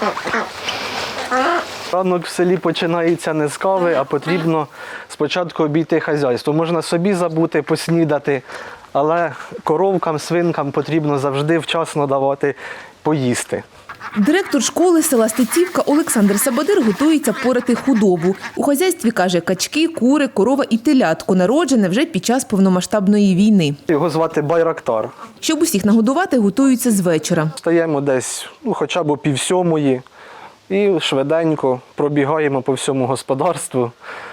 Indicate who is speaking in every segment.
Speaker 1: Ранок в селі починається не з кави, а потрібно спочатку обійти хазяйство. Можна собі забути, поснідати, але коровкам, свинкам потрібно завжди вчасно давати поїсти.
Speaker 2: Директор школи села Стецівка Олександр Сабадир готується порати худобу. У хазяйстві, каже, качки, кури, корова і телятко, народжене вже під час повномасштабної війни.
Speaker 1: Його звати Байрактар.
Speaker 2: Щоб усіх нагодувати, готуються з вечора.
Speaker 1: Стаємо десь хоча б о 6:30 і швиденько пробігаємо по всьому господарству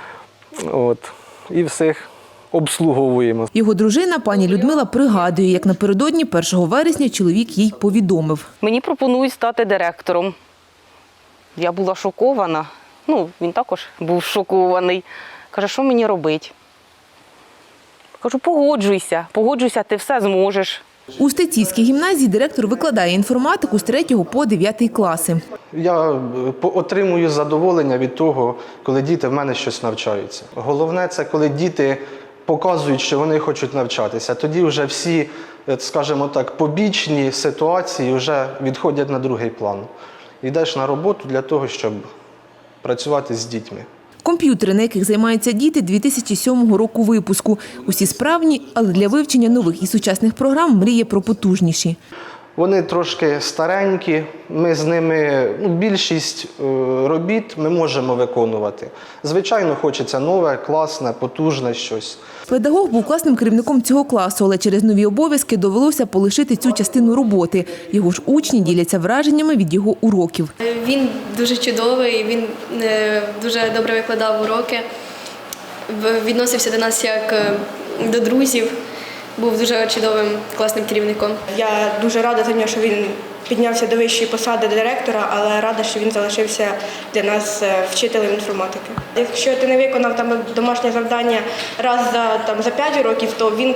Speaker 1: і всіх обслуговуємо.
Speaker 2: Його дружина, пані Людмила, пригадує, як напередодні 1 вересня чоловік їй повідомив.
Speaker 3: Мені пропонують стати директором. Я була шокована. Він також був шокований. Каже, що мені робити? Кажу, погоджуйся, ти все зможеш.
Speaker 2: У Стецівській гімназії директор викладає інформатику з 3 по 9 класи.
Speaker 1: Я отримую задоволення від того, коли діти в мене щось навчаються. Головне – це коли діти показують, що вони хочуть навчатися. Тоді вже всі, скажімо так, побічні ситуації вже відходять на другий план. Йдеш на роботу для того, щоб працювати з дітьми.
Speaker 2: Комп'ютери, на яких займаються діти, 2007 року випуску. Усі справні, але для вивчення нових і сучасних програм мріє про потужніші.
Speaker 1: Вони трошки старенькі, ми з ними, більшість робіт ми можемо виконувати. Звичайно, хочеться нове, класне, потужне щось.
Speaker 2: Педагог був класним керівником цього класу, але через нові обов'язки довелося полишити цю частину роботи. Його ж учні діляться враженнями від його уроків.
Speaker 4: Він дуже чудовий, він дуже добре викладав уроки, відносився до нас як до друзів. Був дуже чудовим, класним керівником.
Speaker 5: Я дуже рада за нього, що він піднявся до вищої посади директора, але рада, що він залишився для нас вчителем інформатики. Якщо ти не виконав домашнє завдання раз за 5 років, то він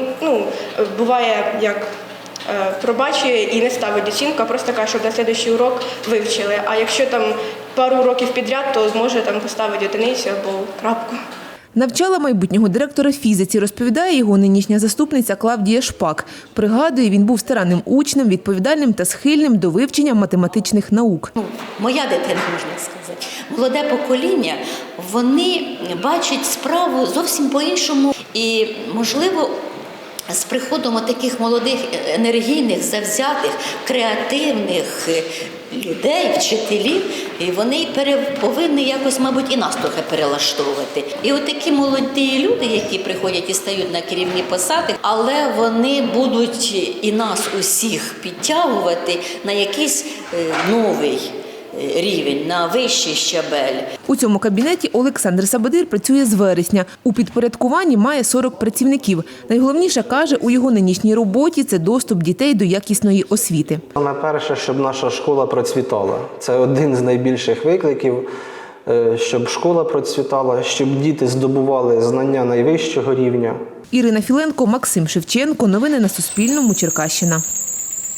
Speaker 5: буває як пробачує і не ставить оцінку, а просто каже, щоб на наступний урок вивчили. А якщо пару уроків підряд, то зможе поставити одиницю або крапку.
Speaker 2: Навчала майбутнього директора фізиці, розповідає його нинішня заступниця Клавдія Шпак. Пригадує, він був старанним учнем, відповідальним та схильним до вивчення математичних наук.
Speaker 6: Моя дитина, можна сказати. Молоде покоління, вони бачать справу зовсім по-іншому. І, можливо, з приходом таких молодих, енергійних, завзятих, креативних людей, вчителів, і вони повинні якось, мабуть, і нас трохи перелаштовувати. І от такі молоді люди, які приходять і стають на керівні посади, але вони будуть і нас усіх підтягувати на якийсь новий рівень, на вищий щабель.
Speaker 2: У цьому кабінеті Олександр Сабадир працює з вересня. У підпорядкуванні має 40 працівників. Найголовніше, каже, у його нинішній роботі – це доступ дітей до якісної освіти.
Speaker 1: Найперше, щоб наша школа процвітала. Це один з найбільших викликів, щоб школа процвітала, щоб діти здобували знання найвищого рівня.
Speaker 2: Ірина Філенко, Максим Шевченко. Новини на Суспільному. Черкащина.